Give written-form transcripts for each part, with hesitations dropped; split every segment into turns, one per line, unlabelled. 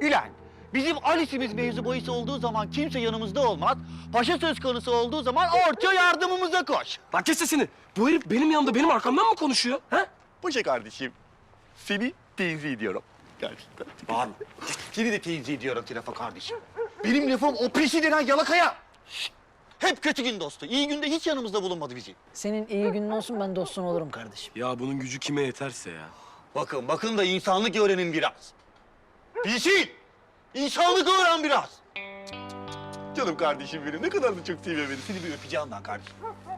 Ülen, bizim Alice'imiz mevzu bahis olduğu zaman kimse yanımızda olmaz. Paşa söz konusu olduğu zaman orta yardımımıza koş.
Lan kes sesini. Bu herif benim yanımda benim arkamdan mı konuşuyor? Ha?
Paşa kardeşim, seni tenzih ediyorum. Gerçekten.
Bağırma.
Seni de tenzih ediyorum Tirafa kardeşim. Benim lafım o pisi denen yalakaya. Şşt! Hep kötü gün dostu. İyi günde hiç yanımızda bulunmadı bizi.
Senin iyi günün olsun, ben dostun olurum kardeşim.
Ya bunun gücü kime yeterse ya.
Bakın da insanlık öğrenin biraz. Bilsin! İnsanlık öğren biraz. Canım kardeşim benim, ne kadar da çok seviyor beni. Seni bir öpeceğim ben kardeşim.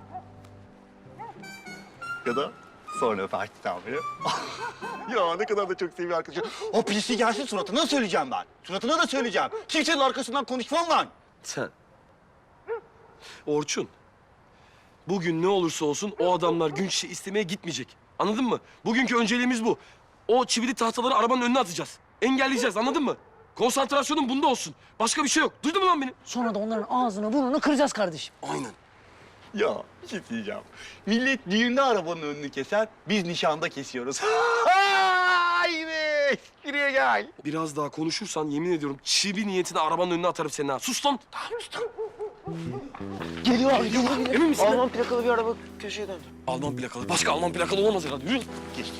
Ya da sonra öpersen beni. Ya ne kadar da çok seviyor arkadaşım. O pisi gelsin suratına söyleyeceğim ben. Suratına da söyleyeceğim. Kimsenin arkasından konuşmam lan.
Sen. Orçun. Bugün ne olursa olsun o adamlar gün şişe istemeye gitmeyecek. Anladın mı? Bugünkü önceliğimiz bu. O çivili tahtaları arabanın önüne atacağız. Engelleyeceğiz, anladın mı? Konsantrasyonun bunda olsun. Başka bir şey yok. Duydun mu lan beni?
Sonra da onların ağzını burnunu kıracağız kardeşim.
Aynen.
Ya bir şey diyeceğim. Millet düğünde arabanın önünü keser, biz nişanda kesiyoruz. Ay be! Espriye gel.
Biraz daha konuşursan yemin ediyorum çivi niyetine arabanın önüne atarım seni ha. Sus lan.
Tamam usta.
Geliyor abi, geliyor.
Emin misin?
Alman plakalı bir araba köşeye döndü.
Alman plakalı. Başka Alman plakalı olamaz herhalde. Yürü.
Geçti.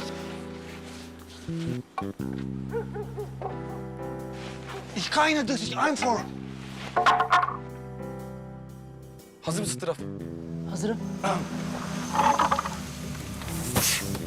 Ich keine, das ist einfach.
Hazır mısın Traf?
Hazırım.